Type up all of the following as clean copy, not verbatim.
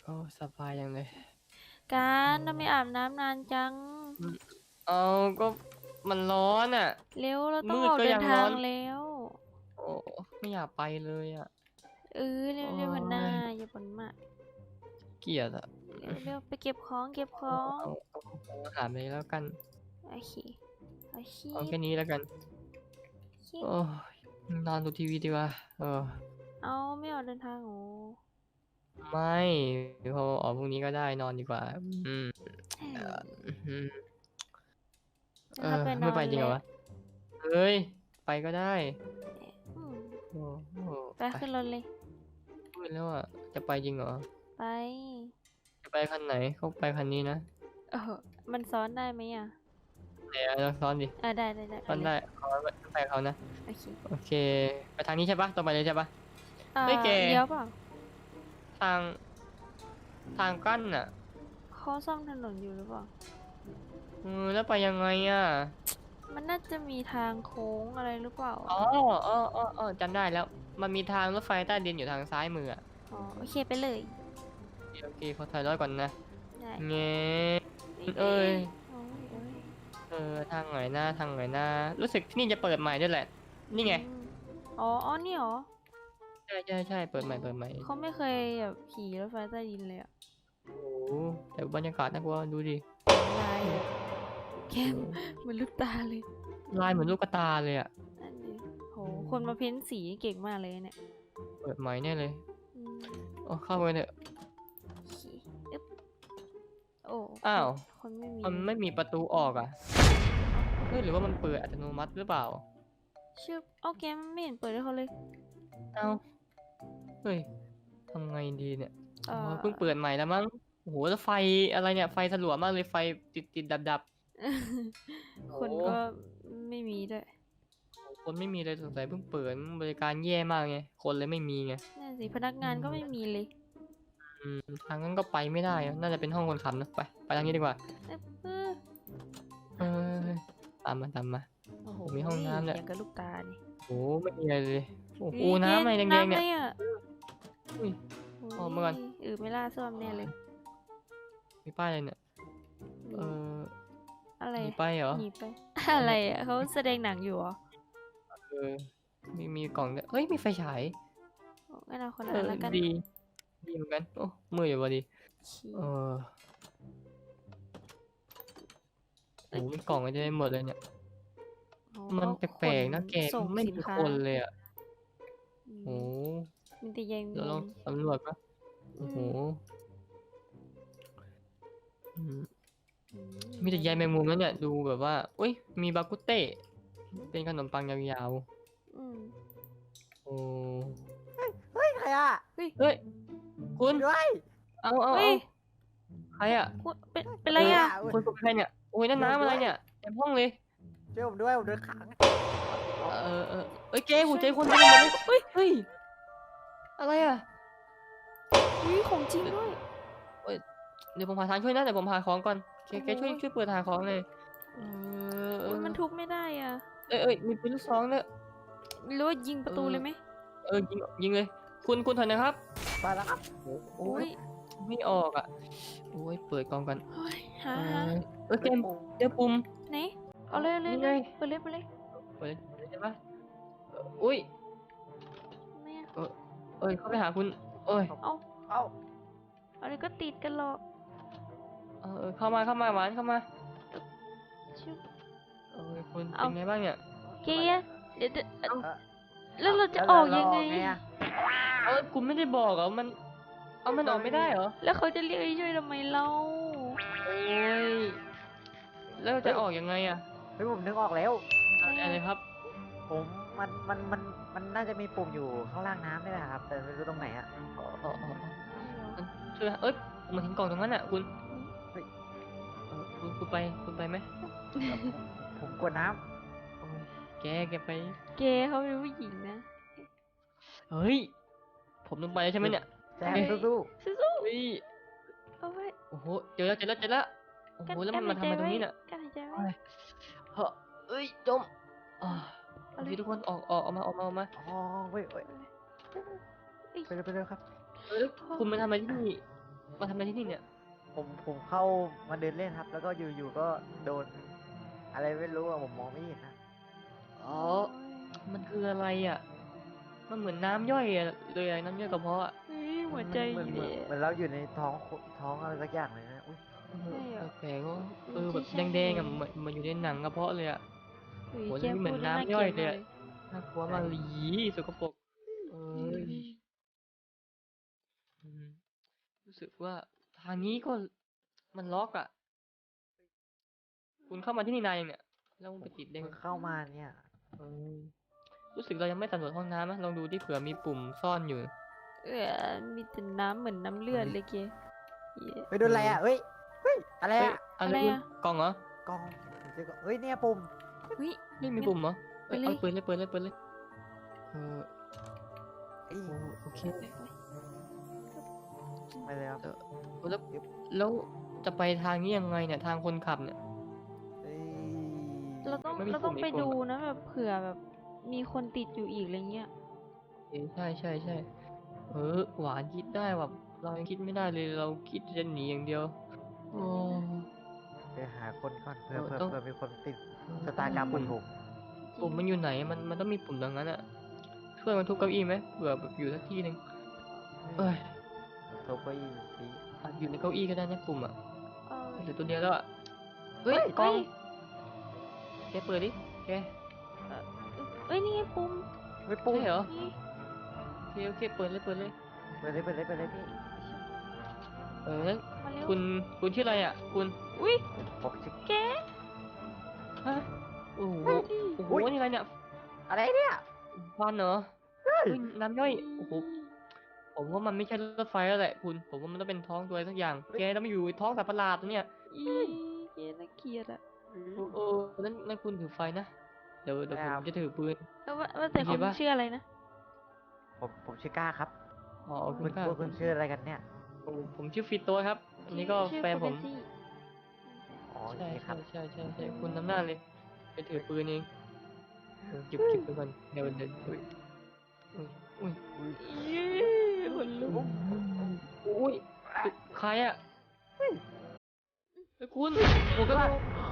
โอ้สบายอย่างเลยการโอ้ทำไมอาบน้ำนานจังอืมเอาก็มันร้อนอ่ะเร็วเราต้องมืดก็ออกเดินยังร้อนทางแล้วโอ้ไม่อยากไปเลยอ่ะเร็โอ้วเร็วหันหน้ายอย่าบ่นมากเกลียดอ่ะเร็วไปเก็บของเก็บขเอาองเอาอาหารไปแล้วกันโอเคโอเคเอาแค่นี้แล้วกันคิดโอ้ยนอนดูทีวีดีกว่าเอาไม่ออกเดินทางโอ้ไม่พอออกพรุ่งนี้ก็ได้นอนดีกว่าอืมเอ่ออืมเออถ้าไปนไม่อนแล้วไปจริงเหรอวะเฮ้ยไปก็ได้อืมโอ้โหไปไปขึ้นรถเลยมืดแล้วอ่ะจะไปจริงเหรอไปจะไปคันไหนเขาไปคันนี้นะเออมันซ้อนได้ไหมอ่ะไหนอะลองซ้อนดิได้ไปเลยซ่อนได้เขาไปเขานะโอเคโอเคไปทางนี้ใช่ปะตรงไปเลยใช่ปะเฮ้ยแกเลี้ยวเปล่าทางทางกั้นอ่ะเขาซ่อมถนนอยู่หรือเปล่าแล้วไปยังไงอ่ะมันน่าจะมีทางโค้งอะไรหรือเปล่าอ๋อจำได้แล้วมันมีทางรถไฟใต้ดินอยู่ทางซ้ายมืออ่ะอ๋อโอเคไปเลยโอเคขอถอยรถก่อนนะได้เงี้นี่เอ้ยโอ้ยโอ้ยทางไหนหน้าทางไหนหน้ารู้สึกที่นี่จะเปิดใหม่ด้วยแหละอืนี่ไงมอ๋อนี่เหรอใช่เปิดใหม่เขาไม่เคยแบบขี่รถไฟใต้ดินเลยอ่ะโอ้โหแต่บรรยากาศน่ากลัวดูดิลายแบบเข้มโอ้เหมือนลูกตาเลยลายเหมือนลูกกระตาเลยอ่ะอันนี้โหอืคนมามเพ้นสีเก่งมากเลยเนี่ยเปิดใหม่แน่เลยอืมโอ้เข้าไปเถอะขี่อึ๊บโอ้อ้าวคนไม่มีมันไม่มีประตูออกอ่ะเฮ้ยหรือว่ามันเปิดอัตโนมัติหรือเปล่าชื่อเอาแกมไม่เห็นเปิดให้เขาเลยเอ้าเฮ้ยทำไงดีเนี่ยเอ่โอ้ยอเพิ่งเปิดใหม่แล้วมั้งโอ้โหแล้วไฟอะไรเนี่ยไฟสลัวมากเลยไฟติดดับโอ้คนโหก็ไม่มีด้วยคนไม่มีเลยสงสัยเพิ่งเปิดบริการแย่มากไงคนเลยไม่มีไงนั่นสิพนักอืงานก็ไม่มมีเลยทางนั้นก็ไปไม่ได้อะน่าจะเป็นห้องคนขับนะไปทางนี้ดีกว่าเอ๊ะเออตามมาโอ้โหผมมีห้องน้ำเนี่ยอย่างกับลูกตานี่โอ้โหไม่มีอะไรเลยโอ้โหนี่เกณฑ์น้ำอะไรแดงๆเนี่ยน้ำเลยอ่ะอุ้ยโอ้ออกมาก่อนไม่ล่าซ่วมแน่เลยมีป้ายอะไรเนี่ยเอนี่ออะไรมีป้ายเหรอหนีไปอะไรอ่ะเขาแสดงหนังอยู่เหรอเออมีกล่องด้วยเฮ้ยมีไฟฉายโอ้งั้นเอาคนละอันแล้วกันดีดีเหมือนกันโอ้มืออยู่พอดีชี้เออโอ้เอ้ยมีกล่องอะไรได้หมดเลยเนี่ยโอ้มันเขาแปลกๆนะแกส่งไม่มีสินค้าคนเลยอ่ะอืโอ้มมีแต่ใยแมเราลองงสำรวจปะโอ้โหอืมอืมอืมีแต่ใยแมงมุมแล้วเนี่ยดูแบบว่าอุ้ยมีบากุเต้เป็นขนมปังยาวอืมๆโอ้เฮ้ยใครอ่ะเฮ้ยเฮ้ยคุณด้วยเอาเฮ้ยใครอ่ะเป็นเออไรอ่ะคุณเป็นใครเนี่ยโอ้ยนั่นน้ำอะไรเนี่ยเต็มห้องเลยช่วยผมด้วยผมโดนขังเอ้ยเจ๊หัวใจคนเต็มหมดเลยเฮ้ยอะไรอ่ะอุ้ยของจริงด้วยเอ้ยเดี๋ยวผมหาทางช่วยนะเดี๋ยวผมหาของก่อนแกช่วยโอ้ยเปิดหาของเลยเออุ้ยมันทุบไม่ได้อ่ะมีปืนลูกซองด้วยหรือว่ายิงปเออระตูเลยไหมยิงเลยคุณถอยนะครับไปแล้วครับโอ้ยอุ้ยไม่ออกอ่ะโอ้ยเปิดกล่องกันเฮ้ยเออหาเกมเจอปุ่มไหนเอาเลยนี่ไงไปเลยเปิดใช่ปะอุ้ยไม่อะเออเข้าไปหาคุณเอ้ยเอาเอ้าอะไรก็ติดกันหรอกเข้ามาหวานเข้ามาชิบคุณเอาเป็นไงบ้างเนี่ยเกียร์เดี๋ยวเอ้าแล้วเราจะออกยังไงอะคุณไม่ได้บอกเหรอมันมันออกไม่ได้เหรอแล้วเขาจะเรียกให้ช่วยทำไมเราโอ้ยแล้วจะออกยังไงอะเฮ้ยผมนึกออกแล้วอะไรครับผมมันน่าจะมีปุ่มอยู่ข้างล่างน้ำนี่แหละครับแต่ไม่รู้ตรงไหนอ่ะช่วยผมเห็นกล่องตรงนั้นอะคุณเฮ้ยคุณไปไหมผมกลัวน้โอ้ยแกไปเกเขาเป็นผู้หญิงนะเฮ้ยผมต้องไปแล้วใช่ไหมเนี่ยำแซมสู้สู้เฮ้ยๆเอาไว้โอ้โหเจอแล้วโอ้โหแล้วมันมาทำอะไรตรงนี้เนี่ยกั้นหายใจไว้เฮ้ยจมอ่าโอเคทุกคนออกมาๆอ๋อเว้ยเอ้ยไปเลยครับแล้วคุณมาทำอะไรที่นี่มาทำอะไรที่นี่เนี่ยผมเข้ามาเดินเล่นครับ แล้วก็อยู่ๆก็โดน อะไรไม่รู้อะผมมองไม่เห็นนะอ๋อ มันคืออะไรอ่ะ มันเหมือนน้ำย่อยอะเลยอะน้ำย่อยกระเพาะอะเฮ้ยหัวใจเหมือนเลยเหมือนเราอยู่ในท้องอะไรสักอย่างเลยนะอุ้ยเออใช่เหรอแปลกๆว่าไม่แบบใช่แดงๆอะเหมือนอยู่ในหนังกระเพาะเลยอะเฮ้ยโหแกนี่เหมืพูอดนแล้วน่าน้ำเกย่ลีอยดเลยมากอะเลยน่ากลัวมากเลยอีสกปรกเอ้ยอืมรู้สึกว่าทางนี้ก็มันล็อกอะคุณเข้ามาที่นี่นานยังเนี่ย แล้วมันไปติดได้เพิ่ไงงเข้ามาเนี่ยเออรู้สึกเรายังไม่สำรวจห้องน้ำนะลองดูที่เผื่อมีปุ่มซ่อนอยู่มีแต่น้ำเหมือนน้ำเลือดเลยแกเหี้ยไปโดนอะไรอ่ะเฮ้ยอะไรเฮ้ยอ่ะอะไรอะไรคุณอะกล่องเหรอกล้องผมเจอกล้องเฮ้ยเนี่ยปุ่มเฮ้ยนี่มีปุ่มเหรอไปเอ้ยเลยเอาเปิดเลยเปิดเลยเปิดเลยเออเอ้ยโอเคไปเลยครับแล้วแล้วจะไปทางนี้ยังไงเนี่ยทางคนขับเนี่ยเอ้ยเราต้องไม่มีเราต้องปุ่มไปอีกปุ่มดูอะนะแบบเผื่อแบบมีคนติดอยู่อีกอะไรเงี้ยใช่ใช่ใช่หวานคิดได้แบบเรายังคิดไม่ได้เลยเราคิดจะหนีอย่างเดียวโอ้ไปหาคนก่อนเผื่อเออต้องมีคนติดเออชะตากรรมเหมือนผมปุ่มมันอยู่ไหนมันต้องมีปุ่มตรงนั้นอะช่วยมันทุบเก้าอี้ไหมเผื่อแบบอยู่สักที่หนึ่งเอ้ยโทรไปสิอาจอยู่ในเก้าอี้ก็ได้นะปุ่มอะเออเหลือตัวเดียวแล้วอะเฮ้ยกล้องแกเปิดดิแกเอ้ยนี่ไงปุ่มไม่ปุ่มใช่เหรอนี่โอเคเปิดเลยเปิดเลยไปเลยพี่งั้นมาเร็วคุณชื่ออะไรอะคุณอุ้ยผมชื่อแกฮะโอ้โหเฮ้ยโอ้โหอุ๊ยนี่อะไรเนี่ยอะไรเนี่ยฟันเหรอเฮ้ยน้ำย่อยโอ้โหผมว่ามันไม่ใช่รถไฟแล้วแหละคุณผมว่ามันต้องเป็นท้องตัวอะไรสักอย่างแกต้องมาอยู่ในท้องสัตว์ประหลาดตัวเนี่ยอีแกน่าเกลียดอะโอ้นั่นคุณถือไฟนะเดี๋ยวได้ผมครับจะถือปืนว่าแต่โอเคคุณปะชื่ออะไรนะผมชื่อก้าครับอ๋อคุคุณณค่ะคุณชื่ออะไรกันเนี่ยผมชื่อฟิโตครับ อันนี้ก็ชื่อแฟนผมคุณเบสซี่อ๋อโอใช่เคครับใช่คุณนำหน้าเลยไปถือปืนเองเก็บปืนก่อนเดี๋ยวอุ้ยอุ้ยอีคนลุกอุ้ยใครอะเฮ้ยคุณผมก็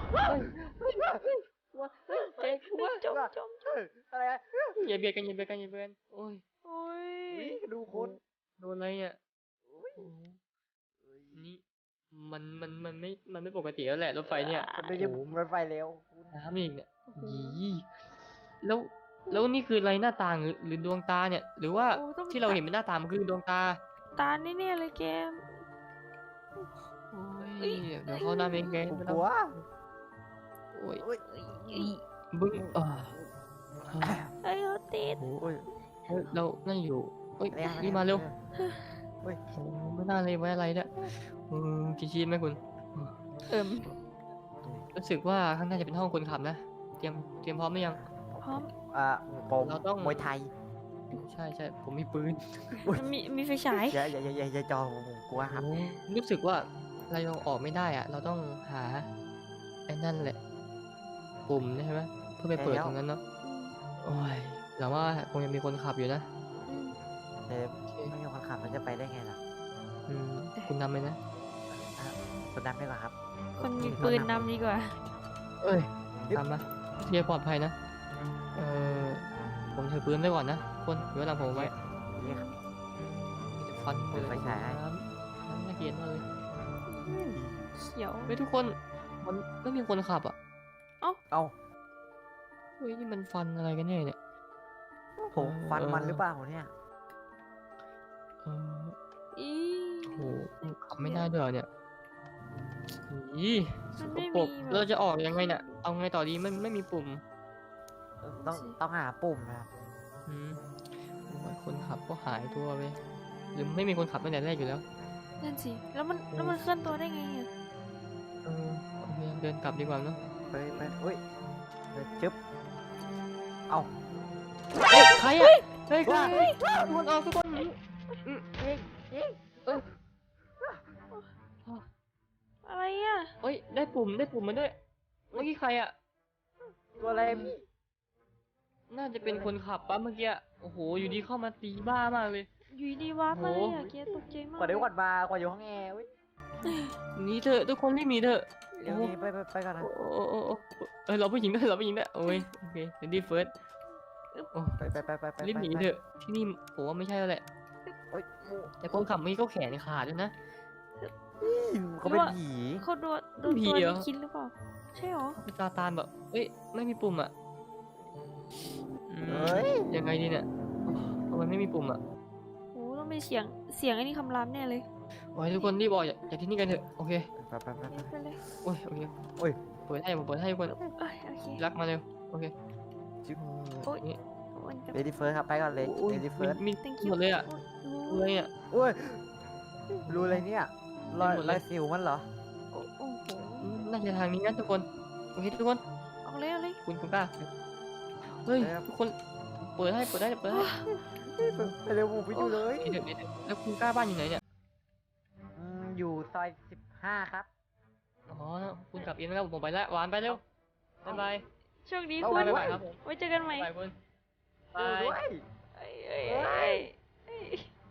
ว่าเจ๊ว่าจมอะไรอะอย่าเบียดกันโอ้ยโอ้ยอุ๊ยดูคนโดนอะไรเนี่ยโอ้โหนี่มันไม่ปกติแล้วแหละรถไฟเนี่ยมันไม่ใช่โอ้โหรถไฟเร็วน้ำอีกเนี่ยยีแล้วแล้วนี่คืออะไรหน้าต่างหรือดวงตาเนี่ย หรือว่าโอ้ต้องที่เราเห็นเป็นหน้าต่างมันคือดวงตาตาแน่ๆเลยแกโอ้เอ้ยยเดี๋ยวเข้าหน้าเองแกผมไม่กต้องลัวโอ้ยอุ้ยบึ้งเฮ้ยเขาติดโอ้โหอุ้ยเฮ้ยเรานั่นอยู่เฮ้ยอะไรอะรีบมาเร็วอุ้ยโอ้ไม่น่าเลยไว้อะไรเนี่ยกินชีสไหมคุณเอิ่มรู้สึกว่าข้างหน้าจะเป็นห้องคนขับนะ เตรียมพร้อมหรือยังพร้อมผมเราต้องมวยไทยใช่ผมมีปืนมีไฟฉายอย่าจอผมกลัวครับโอ้รู้สึกว่าเรายังออกไม่ได้อะเราต้องหาไอ้นั่นแหละ ปุ่มใช่ไหมเพื่อไปเปิดตรงนั้นเนาะโอ้ยแต่ว่าคงยังมีคนขับอยู่นะเซฟไม่มีคนขับมันจะไปได้ไงล่ะคุณนำเลยนะคนนำดีกว่าครับคนมีปืนนำดีกว่าเอ้ยตามมาเที่ยวปลอดภัยนะ ผมถือปืนไว้ก่อนนะคนเดี๋ยวหลังผมไว้นี่ครับมีแต่ฟันเปิดไฟฉายให้น้ำน่าเกลียดมากเลยเขียวเฮ้ยทุกคนมันไม่มีคนขับอ่ะเอ้าเฮ้ยนี่มันฟันอะไรกันเนี่ยผมฟันมันหรือเปล่าเนี่ยเอออีโหขับไม่ได้ด้วยเหรอเนี่ยอีสมันกไม่ปรมีกแบบเราจะออกยังไงเนี่ยเอาไงต่อดีมันไม่มีปุ่มต้องหาปุ่มนะครับอืมโอ้ยคนขับก็หายตัวไปหรือไม่มีคนขับตั้งแต่แรกอยู่แล้วนั่นสิ แล้วมันเคลื่อนตัวได้ไงอะโอเคเดินกลับดีกว่าเนาะไปอุ้ยจึ๊บเอ้าเฮ้ยใครอ่ะเฮ้ยใครทุกคนออกทุกคนเอออะไรอะเฮ้ยได้ปุ่มมาด้วยเมื่อกี้ใครอ่ะตัวอะไรพี่น่าจะเป็นคนขับปะเมื่อกี้โอ้โหอยู่ดีเข้ามาตีบ้ามากเลยอยู่ดีวาร์ปมาเลยอะเกียตกใจมากกว่าได้กว่าดมากว่าอยู่ห้องแอร์เว้ยหนีเถอะทุกคนรีบหนีเถอะเดี๋ยวนี้ไปก่อนนะโอ้เราผู้หญิงด้วยเราผู้หญิงด้วยโอ้ยโอเคเดี๋ยวดีเฟิร์สโอ้ไปรีบหนีเถอะที่นี่ผมว่าไม่ใช่แล้วแหละโอ๊ยแต่คนขับเมื่อกี้ก็แขนขาดด้วยนะเขาเป็นผีเขาโดนผีตัวเหรอนี้คิดหรือเปล่าใช่หรอเป็นซาตานแบบเอ้ยไม่มีปุ่มอ่ะอืมเฮ้ยยังไงดีเนี่ยทำไมไม่มีปุ่มอ่ะโอ้ต้องเป็นเสียงไอ้นี่คำรามแน่เลยโอ้ยทุกคนรีบออกจากที่นี่กันเถอะโอเคไปไปเลยโอ้ยโอเคโอ้ยเปิดให้ผมเปิดให้ทุกคนเอ้ยโอเครักมาเร็วโอเคจิ๊บโอ้ยนี่มันจะเลดี้เฟิร์สครับไปก่อนเลยโอ้ยเลดี้เฟิร์สมี thank หมดเลยอ่ะโอ้เลยอ่ะโอ้ยรู้อะไรเนี่ยรอยหมดเลยสิวมันเหรอโอ้โหน่าจะทางนี้นะทุกคนโอเคทุกคนเอาเลยเอาเลยคุณกล้าเฮ้ยทุกคนเปิดให้ไปเร็วผมไปอยู่เลยเดี๋ยวแล้วคุณกล้าบ้านอยู่ไหนเนี่ยอยู่ซอย15ครับอ๋อคุณกลับเองนะครับผมไปแล้วหวานไปเร็วบ๊ายบายโชคดีเอาคุไว้ณบ๊ายบายครับผมไว้เจอกันใหม่บ๊ายบายคุณอยู่ด้วยเอ้ยเอ้ยเอ้ยเอ้ย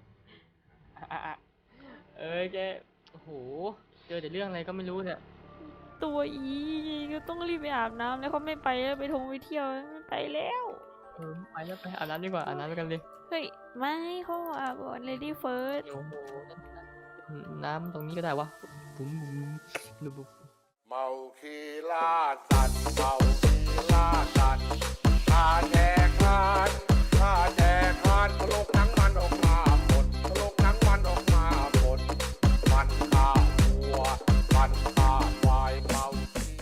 เอ้ยแกโอ้โหเจอแต่เรื่องอะไรก็ไม่รู้เนี่ยตัวอีก็ต้องรีบไปอาบน้ำแล้วเขาไม่ไปแล้วไปเที่ยวไม่ไปแล้วไปแล้วไปอาบน้ำดีกว่าอาบน้ำกันเลยเฮ้ยไม่เขาอาบก่อน lady first โอ้โหน้ำตรงนี้ก็ได้วะบุ้มบุ้มบุ้มบุ้มเมาคีล่าสัตว์เมา